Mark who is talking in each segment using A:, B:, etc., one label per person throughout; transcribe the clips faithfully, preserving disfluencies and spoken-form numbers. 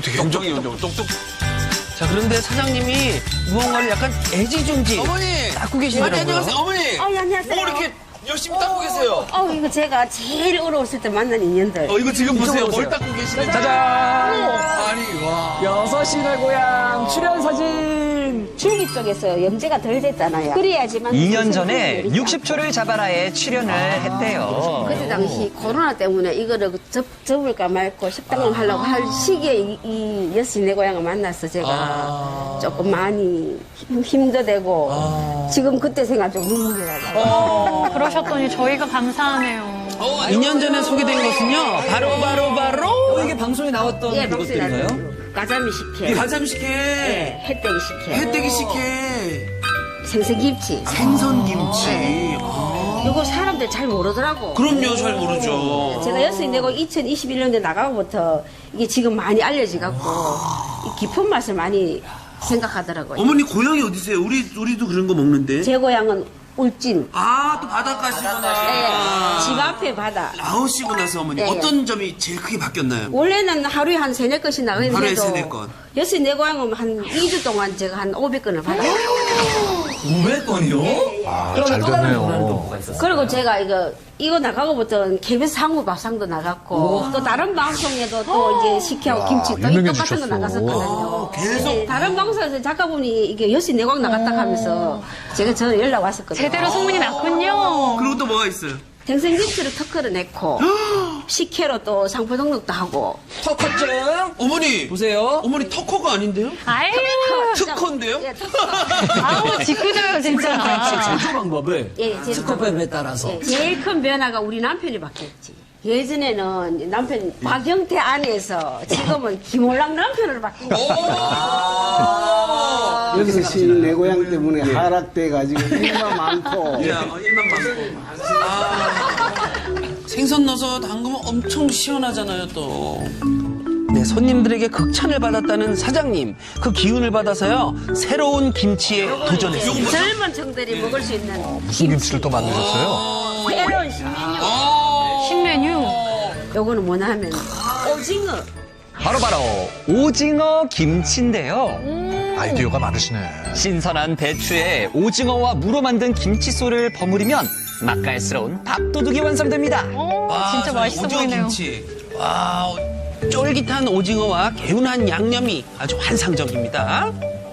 A: 어떻게
B: 굉장히 똑똑.
A: 자, 그런데 사장님이 무언가를 약간 애지중지
B: 어머니!
A: 닦고 계시더라고요.
B: 아니, 안녕하세요, 어머니!
C: 어, 예, 안녕하세요.
B: 뭐 이렇게 열심히 닦고 계세요?
C: 어, 이거 제가 제일 어려웠을 때 만난 인연들.
B: 어, 이거 지금 보세요.
A: 보세요.
B: 뭘 닦고 계시는지.
D: 짜잔!
B: 아니, 와.
D: 여섯 시내 고향 출연 사진!
C: 줄기 쪽에서 염제가 덜 됐잖아요. 그래야지만.
E: 이 년 전에 육십 초를 잡아라에 출연을 했대요.
C: 그때 당시 코로나 때문에 이거를 접, 접을까 말고 식당을 하려고 할 시기에 이, 이 여시 내 고향을 만나서 제가
B: 아.
C: 조금 많이 힘, 힘도 되고
B: 아.
C: 지금 그때 생각 좀 눈물이 나요.
F: 그러셨더니 저희가 감사하네요.
B: 어,
A: 이 년 전에 소개된 것은요. 바로 바로 바로
D: 어, 이게 방송에 나왔던
C: 예, 방송에
D: 그것들인가요?
C: 나왔어요. 가자미 식혜,
B: 가자미 식혜.
C: 예, 햇대기 식혜,
B: 햇대기 식혜.
C: 생선김치.
B: 생선김치.
C: 이거 사람들 잘 모르더라고.
B: 그럼요, 잘 모르죠.
C: 제가 여수에 내고 이천이십일 년도에 나가고부터 이게 지금 많이 알려져 갖고 이 깊은 맛을 많이 생각하더라고요.
B: 어머니 고향이 어디세요? 우리, 우리도 그런 거 먹는데.
C: 제 고향은 울진.
B: 아, 또 바닷가시구나.
C: 예, 집 앞에 바다.
B: 나오시고 나서 어머니
C: 예, 예.
B: 어떤 점이 제일 크게 바뀌었나요?
C: 원래는 하루에 한 세네 건씩 나가는데도
B: 하루에 세네 건.
C: 여수 내 고향은 한 이 주 동안 제가 한 오백 건을 받아요.
D: 오백 건이요?
G: 아,
D: 그러면
G: 잘
D: 또 다른
G: 됐네요.
D: 문화는 또 뭐가 있었어요?
C: 그리고 제가 이거 이거 나가고부터는 케이비에스 상무 밥상도 나갔고 또 다른 방송에도 또 이제 식혜하고
G: 야,
C: 김치 또 이 똑같은 거
G: 유명해지셨어.
C: 나갔었거든요.
B: 계속.
C: 네, 다른 방송에서 작가분이 이게 여수 내광 나갔다 하면서 제가 저는 연락 왔었거든요.
F: 제대로 소문이 났군요.
B: 그리고 또 뭐가 있어요?
C: 생선김치를 특허를 냈고 식혜로 또 상표 등록도 하고
D: 터커증!
B: 어머니!
D: 보세요.
B: 어머니 터커가 아닌데요?
F: 아유,
B: 특허인데요?
C: 예, 특허.
F: 아우, 짓궂어요, 진짜.
D: 제조 방법을
C: 예, 제
D: 스코프에 따라서.
C: 예, 제일 큰 변화가 우리 남편이 바뀌었지. 예전에는 남편 박영태 안에서 지금은 김홀랑 남편으로 바뀐 거예요.
H: 여섯 시 내 고향 때문에 하락돼가지고 일만 많고
B: 야, 어, 일만 많고. 아, 생선 넣어서 담그면 엄청 시원하잖아요, 또.
A: 네, 손님들에게 극찬을 받았다는 사장님. 그 기운을 받아서요. 새로운 김치에 도전했습니다.
C: 젊은 층들이 먹을 수 있는
G: 무슨 김치를 또 만드셨어요?
C: 새로운 신메뉴.
F: 신메뉴.
C: 요거는 뭐냐 하면 오징어.
E: 바로바로 오징어 김치인데요.
G: 아이디어가 많으시네.
E: 신선한 배추에 오징어와 무로 만든 김치소를 버무리면 맛깔스러운 밥도둑이 완성됩니다.
F: 오,
B: 와,
F: 진짜
B: 저희
F: 맛있어
B: 오징어
F: 보이네요.
B: 김치. 와,
A: 쫄깃한 오징어와 개운한 양념이 아주 환상적입니다.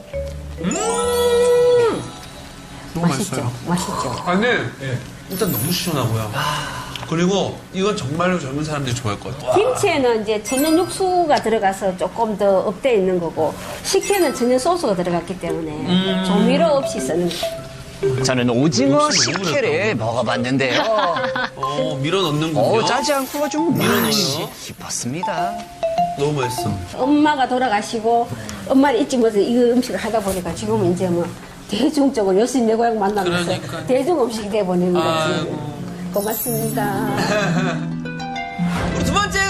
B: 너무
C: 맛있죠? 맛있죠?
B: 아, 근데 일단 너무 시원하고요. 그리고 이건 정말로 젊은 사람들이 좋아할 것 같아요.
C: 김치에는 이제 천연 육수가 들어가서 조금 더 업돼 있는 거고 식혜는 천연 소스가 들어갔기 때문에 조미료 없이 쓰는 거예요.
E: 저는 오징어 식혜를 먹어봤는데요.
B: 어, 밀어 넣는군요.
E: 어, 짜지 않고 좀
B: 밀어넣어요.
E: 맛이 깊었습니다.
B: 너무 맛있어.
C: 엄마가 돌아가시고 엄마를 잊지 못해서 이 음식을 하다 보니까 지금은 이제 뭐 대중적으로 여수 내 고향 만나면서
B: 그러니까요.
C: 대중 음식이 돼버리는 거지.
B: 아이고.
C: 고맙습니다.
B: 우리 두 번째